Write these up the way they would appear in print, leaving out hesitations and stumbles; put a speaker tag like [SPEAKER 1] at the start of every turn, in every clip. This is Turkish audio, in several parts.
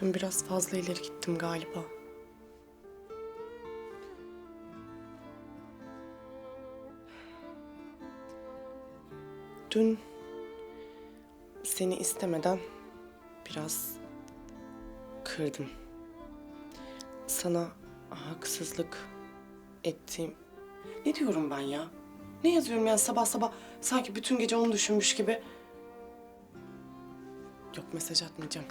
[SPEAKER 1] Dün biraz fazla ileri gittim galiba. Dün seni istemeden biraz kırdım. Sana haksızlık ettiğim... Ne diyorum ben ya? Ne yazıyorum yani sabah sabah sanki bütün gece onu düşünmüş gibi. Yok, mesaj atmayacağım.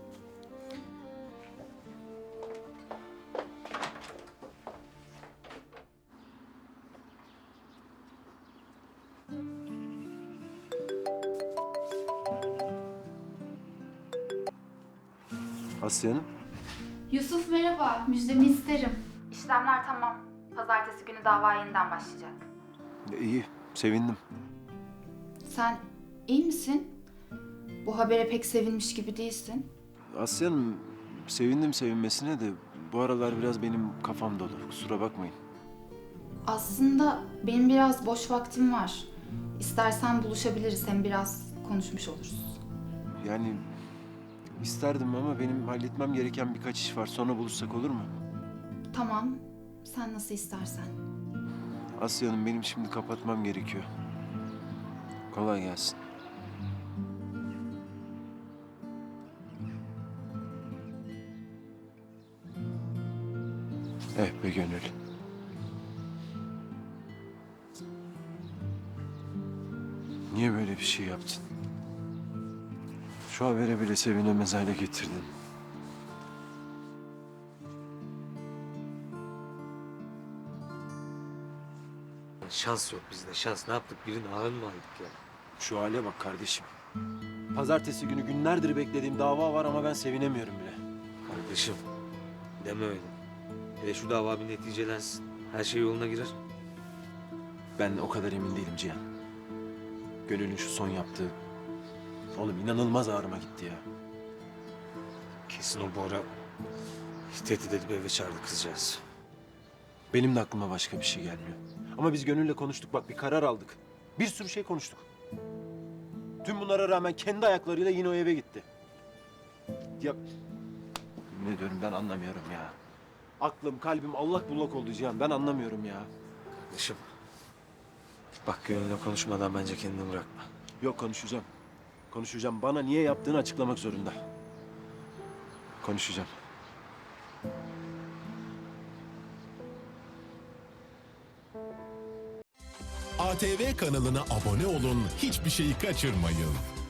[SPEAKER 2] Asya Hanım.
[SPEAKER 3] Yusuf merhaba, müjdemi isterim. İşlemler tamam. Pazartesi günü dava yeniden başlayacak.
[SPEAKER 2] İyi, sevindim.
[SPEAKER 3] Sen iyi misin? Bu habere pek sevinmiş gibi değilsin.
[SPEAKER 2] Asya Hanım, sevindim sevinmesine de bu aralar biraz benim kafam dolu. Kusura bakmayın.
[SPEAKER 3] Aslında benim biraz boş vaktim var. İstersen buluşabiliriz, hem biraz konuşmuş oluruz.
[SPEAKER 2] Yani isterdim ama benim halletmem gereken birkaç iş var. Sonra buluşsak olur mu?
[SPEAKER 3] Tamam, sen nasıl istersen.
[SPEAKER 2] Asya Hanım, benim şimdi kapatmam gerekiyor. Kolay gelsin. Be gönül. Niye böyle bir şey yaptın? Şu habere bile sevinemez hale getirdin.
[SPEAKER 4] Şans yok bizde, şans. Ne yaptık? Birinin ağını mı aldık ya?
[SPEAKER 2] Şu hale bak kardeşim. Pazartesi günü günlerdir beklediğim dava var ama ben sevinemiyorum bile.
[SPEAKER 4] Kardeşim, deme öyle. Hele şu dava bir neticelensin. Her şey yoluna girer.
[SPEAKER 2] Ben o kadar emin değilim Cihan. Gönül'ün şu son yaptığı... Oğlum inanılmaz ağrıma gitti ya.
[SPEAKER 4] Kesin o Bora tehdit edip eve çağırdı kızcağız.
[SPEAKER 2] Benim de aklıma başka bir şey gelmiyor. Ama biz Gönül'le konuştuk, bak bir karar aldık. Bir sürü şey konuştuk. Tüm bunlara rağmen kendi ayaklarıyla yine o eve gitti. Ya... Ne diyorum, ben anlamıyorum ya. Aklım, kalbim allak bullak oldu Cihan. Ben anlamıyorum ya.
[SPEAKER 4] Kardeşim, bak Gönül'le konuşmadan bence kendini bırakma.
[SPEAKER 2] Yok, konuşacağım. Konuşacağım. Bana niye yaptığını açıklamak zorunda. Konuşacağım.
[SPEAKER 5] ATV kanalına abone olun, hiçbir şeyi kaçırmayın.